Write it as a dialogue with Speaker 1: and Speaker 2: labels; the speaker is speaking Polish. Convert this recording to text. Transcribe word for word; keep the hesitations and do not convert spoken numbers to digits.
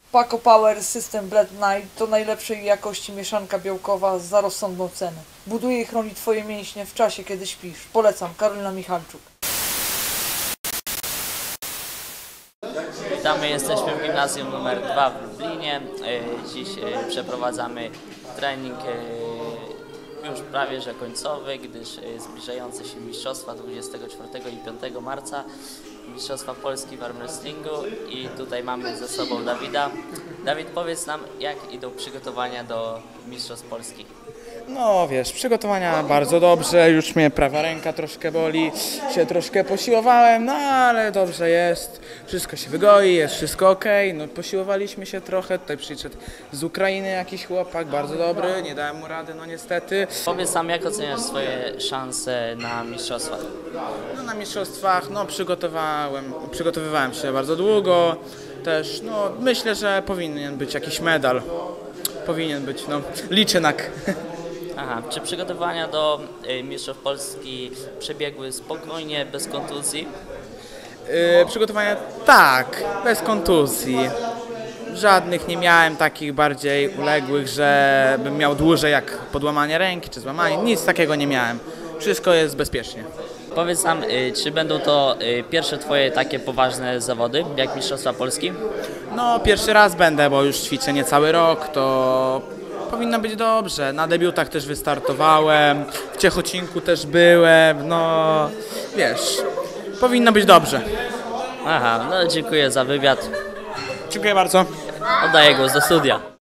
Speaker 1: Paco Power System Blend Night to najlepszej jakości mieszanka białkowa za rozsądną cenę. Buduje i chroni Twoje mięśnie w czasie, kiedy śpisz. Polecam, Karolina Michalczuk.
Speaker 2: Witamy, jesteśmy w gimnazjum numer dwa w Lublinie. Dziś przeprowadzamy trening już prawie że końcowy, gdyż zbliżające się mistrzostwa dwudziestego czwartego i piątego marca, mistrzostwa Polski w arm wrestlingu i tutaj mamy ze sobą Dawida. Dawid, powiedz nam, jak idą przygotowania do mistrzostw Polski?
Speaker 3: No wiesz, przygotowania bardzo dobrze, już mnie prawa ręka troszkę boli, się troszkę posiłowałem, no ale dobrze jest, wszystko się wygoi, jest wszystko ok, no posiłowaliśmy się trochę, tutaj przyszedł z Ukrainy jakiś chłopak, bardzo dobry, nie dałem mu rady, no niestety.
Speaker 2: Powiedz nam, jak oceniasz swoje szanse na mistrzostwach?
Speaker 3: No na mistrzostwach, no przygotowałem, przygotowywałem się bardzo długo, też, no myślę, że powinien być jakiś medal, powinien być, no liczę na...
Speaker 2: Aha, czy przygotowania do y, mistrzostw Polski przebiegły spokojnie, bez kontuzji?
Speaker 3: Yy, przygotowania tak, bez kontuzji. Żadnych nie miałem takich bardziej uległych, że bym miał dłużej jak podłamanie ręki czy złamanie. Nic takiego nie miałem. Wszystko jest bezpiecznie.
Speaker 2: Powiedz nam, y, czy będą to y, pierwsze Twoje takie poważne zawody, jak mistrzostwa Polski?
Speaker 3: No pierwszy raz będę, bo już ćwiczę niecały rok, to powinno być dobrze. Na debiutach też wystartowałem, w Ciechocinku też byłem, no wiesz, powinno być dobrze.
Speaker 2: Aha, no dziękuję za wywiad.
Speaker 3: Dziękuję bardzo.
Speaker 2: Oddaję głos do studia.